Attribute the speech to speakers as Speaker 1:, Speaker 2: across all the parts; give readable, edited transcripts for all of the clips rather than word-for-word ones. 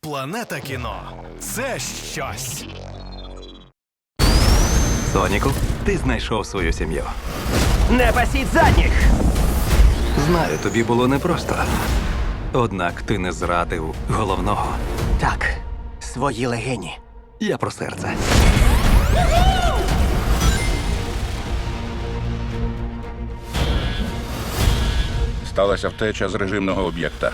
Speaker 1: Планета кіно – це щось.
Speaker 2: Соніку, ти знайшов свою сім'ю.
Speaker 3: Не пасіть задніх!
Speaker 2: Знаю, тобі було непросто. Однак ти не зрадив головного.
Speaker 3: Так, свої легені.
Speaker 2: Я про серце.
Speaker 4: Сталася втеча з режимного об'єкта.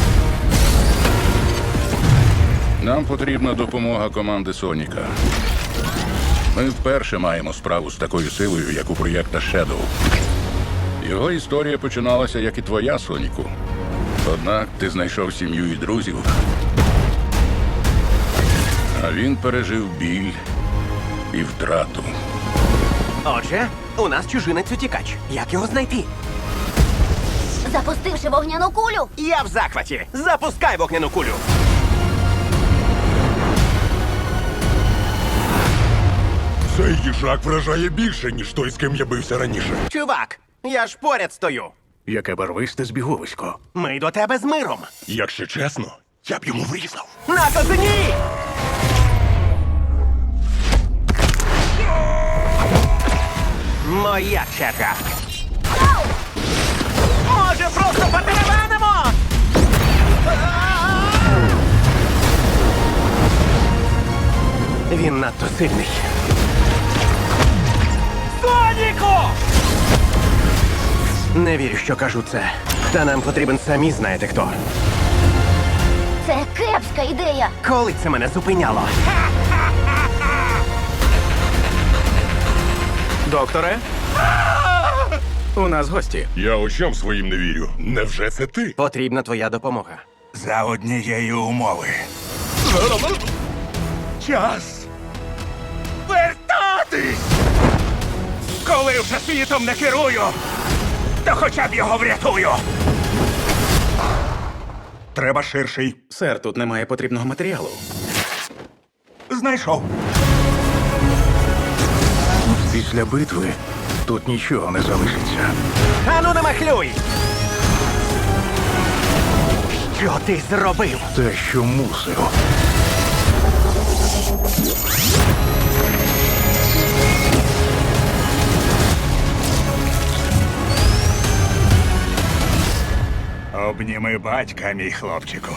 Speaker 4: Нам потрібна допомога команди Соніка. Ми вперше маємо справу з такою силою, як у проєкта Shadow. Його історія починалася, як і твоя, Соніку. Однак ти знайшов сім'ю і друзів. А він пережив біль і втрату.
Speaker 3: Отже, у нас чужинець-утікач. Як його знайти?
Speaker 5: Запустивши вогняну кулю.
Speaker 3: Я в захваті. Запускай вогняну кулю.
Speaker 6: Цей їжак вражає більше, ніж той, з ким я бився раніше.
Speaker 3: Чувак, я ж поряд стою.
Speaker 6: Яке барвисте збіговисько.
Speaker 3: Ми до тебе з миром.
Speaker 6: Якщо чесно, я б йому врізав.
Speaker 3: На козині! Моя черга. Може, просто потеревенимо? Він надто сильний. Соніку! Не вірю, що кажу це. Та нам потрібен самі знаєте хто.
Speaker 5: Це кепська ідея.
Speaker 3: Коли це мене зупиняло?
Speaker 1: Докторе? У нас гості.
Speaker 6: Я очам своїм не вірю. Невже це ти?
Speaker 3: Потрібна твоя допомога.
Speaker 6: За однієї умови. Час вертатись! Коли вже світом не керую, то хоча б його врятую. Треба ширший.
Speaker 1: Сер, тут немає потрібного матеріалу.
Speaker 6: Знайшов. Після битви тут нічого не залишиться.
Speaker 3: Ану, не махлюй! Що ти зробив?
Speaker 6: Те, що мусив. Обніми батька, мій хлопчику.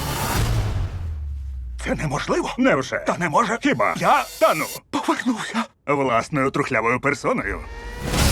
Speaker 6: Це неможливо? Невже? Та не може. Хіба? Я, повернувся. Власною трухлявою персоною.